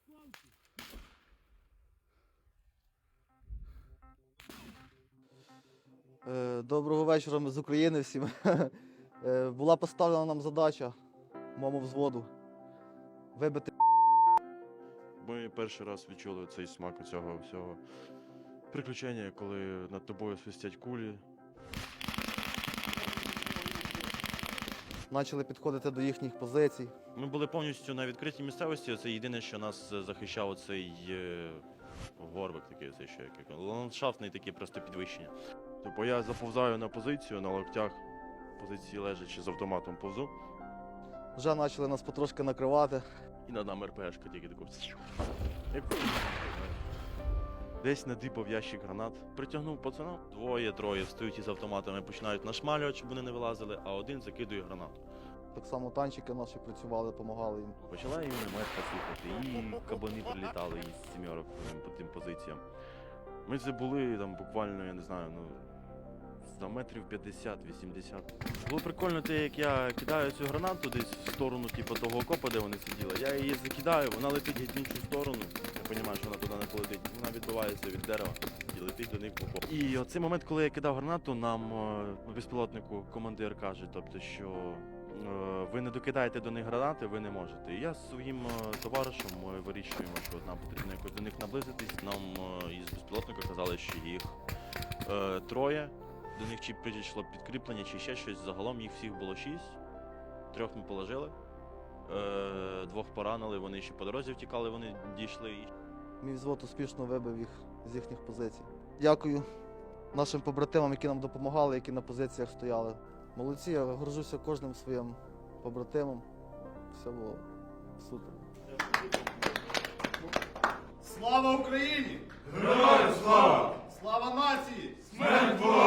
Доброго вечора, ми з України всім. Була поставлена нам задача моєму взводу вибити. Ми перший раз відчули цей смак цього всього приключення, коли над тобою свистять кулі. Почали підходити до їхніх позицій. Ми були повністю на відкритій місцевості. Це єдине, що нас захищав цей горбик такий, цей що як ландшафтний такий просто підвищення. Тобто я заповзаю на позицію, на локтях, позиції лежачи з автоматом повзу. Вже почали нас потрошки накривати. І над нами РПшка тільки таку. Десь надипав ящик гранат, притягнув пацана. Двоє-троє встають із автоматами, починають нашмалювати, щоб вони не вилазили, а один закидує гранату. Так само танчики наші працювали, допомагали їм. Почала і мінометка слухати, і кабани прилітали із сімьорок по тим позиціям. Ми це були там буквально, я не знаю, за метрів 50-80. Було прикольно те, як я кидаю цю гранату десь в сторону типу, того окопа, де вони сиділи. Я її закидаю, вона летить геть в іншу сторону. Я розумію, що вона туди не полетить. Вона відбивається від дерева і летить до них в окоп. І оцей момент, коли я кидав гранату, нам безпілотнику командир каже, тобто, що ви не докидаєте до них гранати, ви не можете. І я з своїм товаришем ми вирішуємо, що нам потрібно якось до них наблизитись. Нам із безпілотника казали, що їх троє. До них чи прийшло підкріплення, чи ще щось. Загалом їх всіх було 6. 3 ми положили, 2 поранили, вони ще по дорозі втікали, вони дійшли. Мій взвод успішно вибив їх з їхніх позицій. Дякую нашим побратимам, які нам допомагали, які на позиціях стояли. Молодці, я горжуся кожним своїм побратимом. Все було супер. Слава Україні! Героям слава! Слава нації! Смерть ворогам!